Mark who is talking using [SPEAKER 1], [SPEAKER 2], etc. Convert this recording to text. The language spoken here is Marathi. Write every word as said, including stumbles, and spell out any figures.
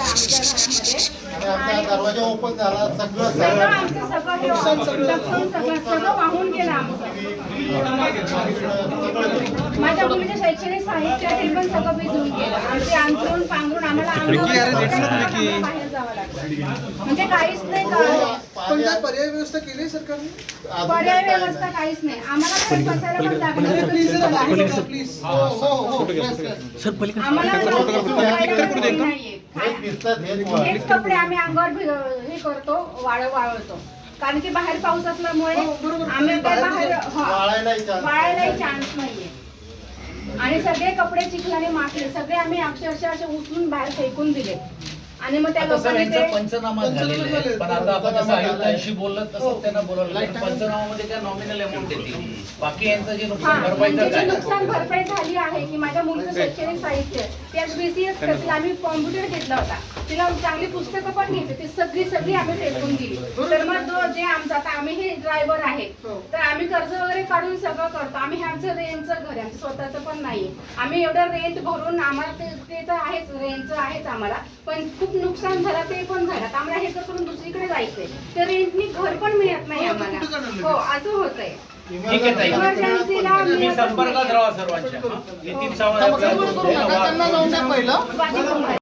[SPEAKER 1] आमच्या घरामध्ये
[SPEAKER 2] आमचा दरवाजा ओपन झाला, सगळं
[SPEAKER 1] सगळं आमचं सगळं हे नुकसान सगळं सगळं वाहून गेलं आमचं. माझ्या मुलीच्या शैक्षणिक साहित्य हे पण सगळं भिजून गेलं. आमचे अंथरूण पांघरूण आम्हाला अंगावर बाहेर जावं लागलं. म्हणजे काहीच नाही का-
[SPEAKER 3] पण काय पर्याय व्यवस्था केली आहे सरकारने?
[SPEAKER 1] पर्याय व्यवस्था काहीच नाही. आम्हाला तर बसायला पण जागा नाही.
[SPEAKER 3] प्लीज जरा प्लीज. हो हो हो
[SPEAKER 1] आम्हाला नाहीये.
[SPEAKER 2] हेच दिसतात, हेच वर.
[SPEAKER 1] हेच कपडे आम्ही अंगावर भि- हे करतो, वाळ वाळवतो. कारण की बाहेर पाऊस असल्यामुळे आम्ही काय बाहेर हा,
[SPEAKER 2] वाळायलाही chance
[SPEAKER 1] वाळायलाही चान्स नाहीये. आणि सगळे कपडे चिखलाने माखले, सगळे आम्ही अक्षरशः असे उचलून बाहेर फेकून दिले. आणि मग त्या
[SPEAKER 4] आता सर
[SPEAKER 1] लोकांनी
[SPEAKER 4] यांचा
[SPEAKER 1] ते
[SPEAKER 4] पंचनामा झालेला आहे, पण आता आपण जसं आयुक्तांशी बोललं तसं त्यांना बोलवलं. पंचनामामध्ये त्या नॉमिनल अमाऊंट देतील, बाकी यांचं जे
[SPEAKER 1] हा,
[SPEAKER 4] नुकसान
[SPEAKER 1] म्हणजे
[SPEAKER 4] भरपाईचं
[SPEAKER 1] जी
[SPEAKER 4] काय?
[SPEAKER 1] नुकसान भरपाई झाली आहे की माझ्या मुलीचं शैक्षणिक साहित्य त्याच बीसीएस करतील. आम्ही कॉम्प्युटर घेतला होता, तिला चांगली पुस्तकं पण घेतली, ती सगळी सगळी आम्ही फेकून दिली. तर मग जो जे आमचा आता आम्ही हे ड्रायव्हर आहे, तर आम्ही कर्ज वगैरे काढून सगळं करतो. आम्ही हे आमचं रेंटचं घर आहे, आमचं स्वतःचं पण नाही. आम्ही एवढं रेंट भरून आम्हाला ते ते तर आहेच, रेंटचं आहेच आम्हाला, पण खूप नुकसान झालं ते पण झालं. तर आम्हाला हे करून दुसरीकडे जायचंय, तर रेंटनी घर पण मिळत नाही आम्हाला. हो, असं होतंय.
[SPEAKER 4] ठीक आहे ताई,
[SPEAKER 1] इमर्जन्सीला
[SPEAKER 4] तुम्ही संपर्कात राहा सर्वांच्या. हं? नितीन सावंत
[SPEAKER 3] त्यांना जाऊन द्या पहिलं.
[SPEAKER 1] स्वाती कुंभारे.